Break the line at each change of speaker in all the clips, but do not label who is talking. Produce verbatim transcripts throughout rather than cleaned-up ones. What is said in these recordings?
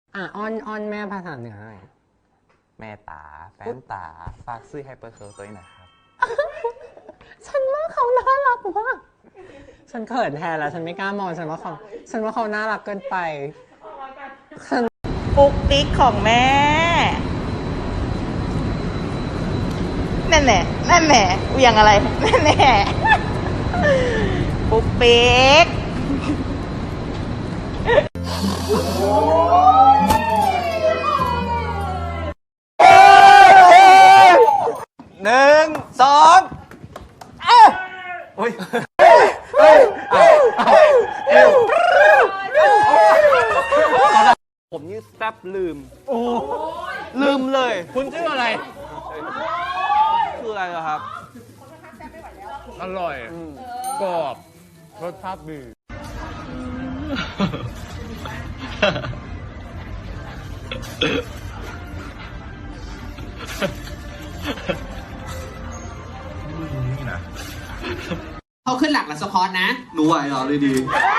อ่ะอ้อนอ้อนแม่ภาษาเหนือหน่อย
แม่ตาแฟนตาฝากซื้อไฮเปอร์เคิร์ลตัวนี้หน่อยครับ
ฉันว่าเขาน่ารักมากฉันเขินแทนแล้วฉันไม่กล้ามองฉันว่าเขาฉันว่าเขาน่ารักเกินไป
ปุ๊กปิ๊กของแม่แม่แม่แม่แม่เวียงอะไรแม่แม่ปุ๊กปิ๊ก
หนึ่งสองเอ้ยโอ้ยเฮ้ยผมนี่แซบลืมโอ้ลืมเลยคุณชื่ออะไรคืออะไรเหรอครับอร่อยกรอบรสชาติดี
เขาขึ้นหลักหลักสะพอนนะ
หนูไหวเหรอเลยดี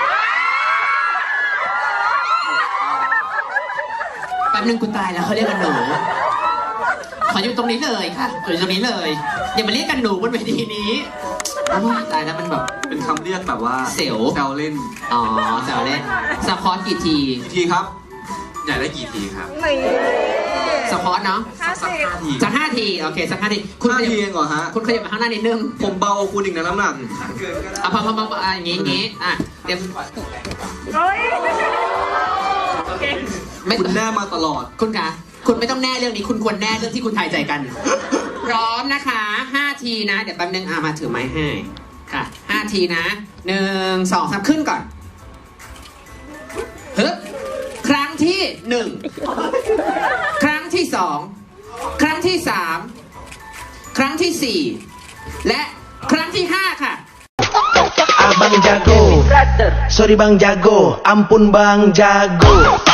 แป๊บนึงกูตายแล้วเขาเรียกกันหนูขออยู่ตรงนี้เลยค่ะขออยู่ตรงนี้เลยอย่ามาเรียกกันหนูบนเวทีนี้ตายแล้วมันแบบ
เป็นคำเรียกแบบว่า
เสียว
แซวเล่น
อ๋อแซวเล่นสะพอนกี่ที
กี่ทีครับอยากได้กี่ทีครับ
สะพอนเนาะ
สักห้าที
สักห้าทีโอเคสักห้าที
คุณห้าทีเองเหรอฮะ
คุณขยับมาข้างหน้านิดนึง
ผมเบาคุณอีกนะน้ำหนัก
อ่ะพอพอพออย่างงี้อย่างงี้อ่ะเตรียม
คุณแน่มาตลอด
คุณคะคุณไม่ต้องแน่เรื่องนี้คุณควรแน่เรื่องที่คุณทายใจกันพร้อมนะคะห้าทีนะเดี๋ยวแป๊บนึงอ่ะมาถือไม้ให้ค่ะห้าทีนะหนึ่งสองสามขึ้นก่อนฮึบครั้งที่หนึ่งครั้งที่สองครั้งที่สามครั้งที่สี่และครั้งที่ห้าค่ะ
Abang jago, sorry bang jago, ampun bang jago.